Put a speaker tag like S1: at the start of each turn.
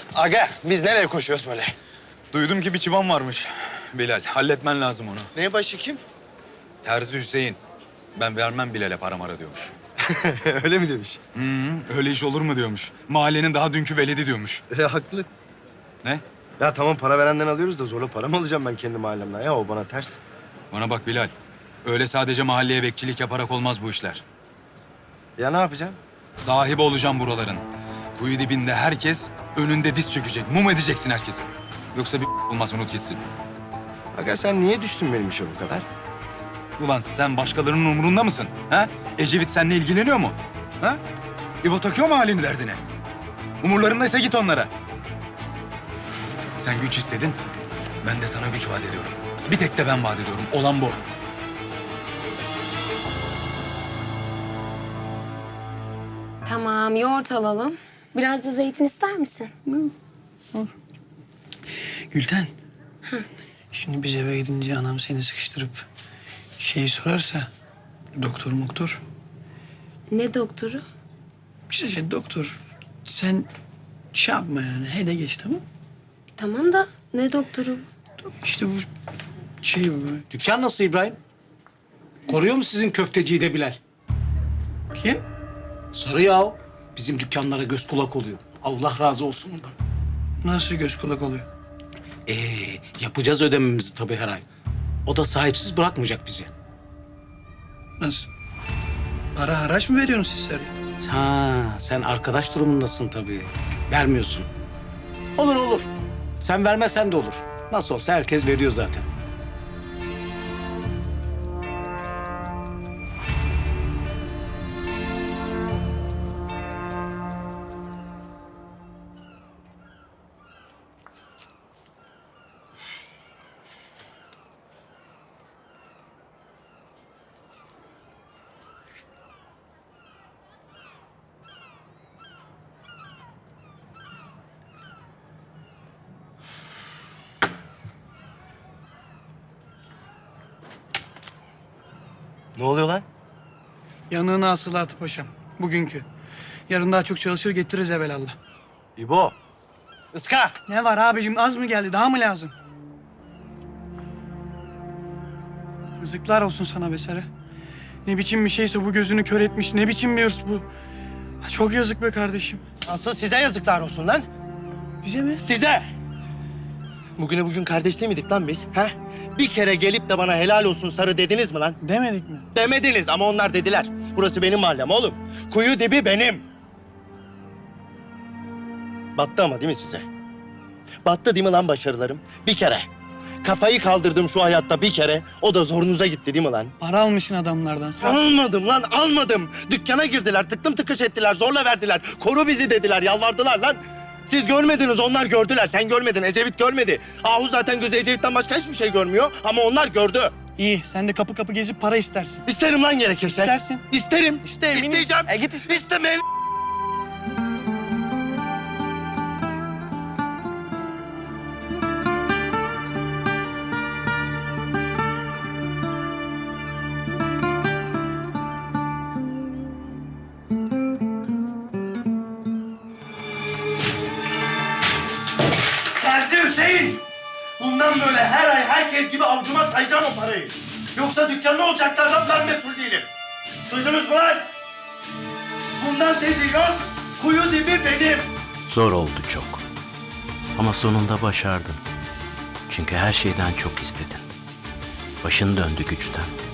S1: Aga biz nereye koşuyoruz böyle?
S2: Duydum ki bir çıban varmış Bilal. Halletmen lazım onu.
S1: Ne başı kim?
S2: Terzi Hüseyin. Ben vermem Bilal'e para mara diyormuş.
S1: Öyle mi demiş?
S2: Öyle iş olur mu diyormuş. Mahallenin daha dünkü veledi diyormuş.
S1: Haklı.
S2: Ne?
S1: Ya tamam para verenden alıyoruz da zorla para mı alacağım ben kendi mahallemden? Ya o bana ters.
S2: Bana bak Bilal. Öyle sadece mahalleye bekçilik yaparak olmaz bu işler.
S1: Ya ne yapacağım?
S2: Sahibi olacağım buraların. Kuyu dibinde herkes önünde diz çökecek. Mum edeceksin herkese. Yoksa bir olmaz, unut gitsin.
S1: Aga sen niye düştün benim işe bu kadar?
S2: Ulan sen başkalarının umurunda mısın? Ha? Ecevit seninle ilgileniyor mu? Ha? İbo takıyor mu halini derdine? Umurlarındaysa git onlara. Sen güç istedin, ben de sana güç vaat ediyorum. Bir tek de ben vaat ediyorum. Olan bu.
S3: Tamam, yoğurt alalım. Biraz da zeytin ister misin?
S4: Gülten. Şimdi biz eve gidince anam seni sıkıştırıp şeyi sorarsa doktor.
S3: Ne doktoru?
S4: İşte doktor sen şey yapma yani hede geç tamam.
S3: Tamam da ne doktoru?
S4: İşte bu şey bu.
S5: Dükkan nasıl İbrahim? Koruyor mu sizin köfteciyi de Bilal?
S4: Kim?
S5: Sarı yahu. Bizim dükkanlara göz kulak oluyor. Allah razı olsun ondan.
S4: Nasıl göz kulak oluyor?
S5: Ee, yapacağız ödememizi tabii her ay. O da sahipsiz bırakmayacak bizi.
S4: Nasıl? Para haraç mı veriyorsunuz siz Sarı'ya?
S5: Ha, sen arkadaş durumundasın tabii. Vermiyorsun. Olur. Sen vermesen de olur. Nasıl olsa herkes veriyor zaten.
S1: Ne oluyor lan?
S4: Yanığına hasılatı paşam. Bugünkü. Yarın daha çok çalışır getiririz evelallah.
S1: İbo. Iska.
S4: Ne var abicim az mı geldi daha mı lazım? Yazıklar olsun sana be Sarı. Ne biçim bir şeyse bu gözünü kör etmiş. Ne biçim bir hırs bu. Çok yazık be kardeşim.
S1: Asıl size yazıklar olsun lan.
S4: Bize mi?
S1: Size. Bugün kardeş değil miydik lan biz? Ha? Bir kere gelip de bana helal olsun Sarı dediniz mi lan?
S4: Demedik mi?
S1: Demediniz ama onlar dediler. Burası benim mahallem oğlum. Kuyu dibi benim. Battı ama değil mi size? Battı değil mi lan başarılarım? Bir kere. Kafayı kaldırdım şu hayatta bir kere. O da zorunuza gitti değil mi lan?
S4: Para almışsın adamlardan.
S1: Almadım lan almadım. Dükkana girdiler, tıktım tıkış ettiler, zorla verdiler. Koru bizi dediler, yalvardılar lan. Siz görmediniz, onlar gördüler. Sen görmedin, Ecevit görmedi. Ahu zaten gözü Ecevit'ten başka hiçbir şey görmüyor. Ama onlar gördü.
S4: İyi sen de kapı kapı gezip para istersin.
S1: İsterim lan gerekirse.
S4: İstersin.
S1: İsterim.
S4: İste, eminim.
S1: İsteyeceğim.
S4: Git iste.
S1: İstemeyin. Terzi Hüseyin! Bundan böyle her ay herkes gibi avcuma sayacağım o parayı. Yoksa dükkanlı olacaklardan ben mesul değilim. Duydunuz mu lan? Bundan tezi yok. Kuyu dibi benim.
S6: Zor oldu çok. Ama sonunda başardın. Çünkü her şeyden çok istedin. Başın döndü güçten.